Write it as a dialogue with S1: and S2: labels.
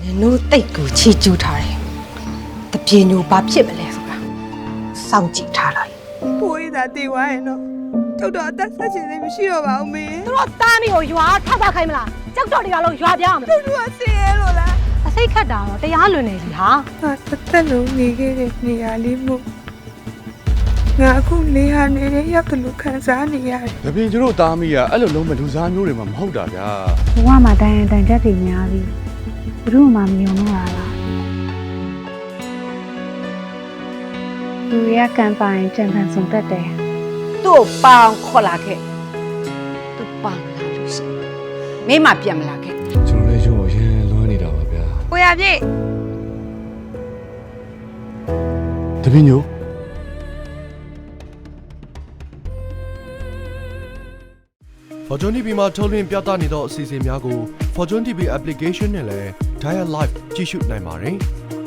S1: နိုးတိတ်ကိုချီကျူးထားတယ်တပြေညိုဘာဖြစ်မလဲဆိုတာစောင့်ကြည့်ထားလိုက်
S2: ပိုးရတာတေဝါရဲ့နော်ထုတ်တော့အသက်ဆက်ချင်သေးမရှိတော့ပါဘူးမေ
S3: သူတို့တားမိကိုရွာထောက်တာခိုင်းမလားကြောက်တော့တရားလုံးရွာပြောင်းမလား
S2: သူတို့ကဆင်းရဲလို့လား
S3: အစိတ်ခတ်တာတော့တရားလွန်နေပြီဟာ
S2: ငါတစ်သက်လုံးနေခဲ့တဲ့နေရာလေးမို့ငါအခုနေဟာနေတဲ့ရပ်ဘလို့ခံစားနေရတယ်
S4: ။ဒါပြင်ကျတို့သားမီးကအဲ့လိုလုံးမလူစားမျိုးတွေမှမဟုတ်တာဗျာ
S5: ဘဝမှာတိုင်ရင်တိုင်ချက်တွေများပြီးဘယ်သူမှမယုံတော့တာလားလူရကံပိုင်ကြံဖန်ဆုံးတတ်တယ်
S6: သူ့ကိုပေါင်ခေါ်လာခဲ့သူပေါင်လာလို့ရှိရင်မိမပြန်မလာခဲ့
S4: ။ကျွန်တော်လည်းရုံအရင်လွမ်းနေတာပါဗျာ
S2: ကိုရပြည့်
S4: ။တပင်းညို
S7: Fortune TV မှာထုတ်လွှင့်ပြသနေသောအစီအစဉ်များကို Fortune TV application နဲ့လည်း Dial Live ကြည့်ရှုနိုင်ပါတယ်။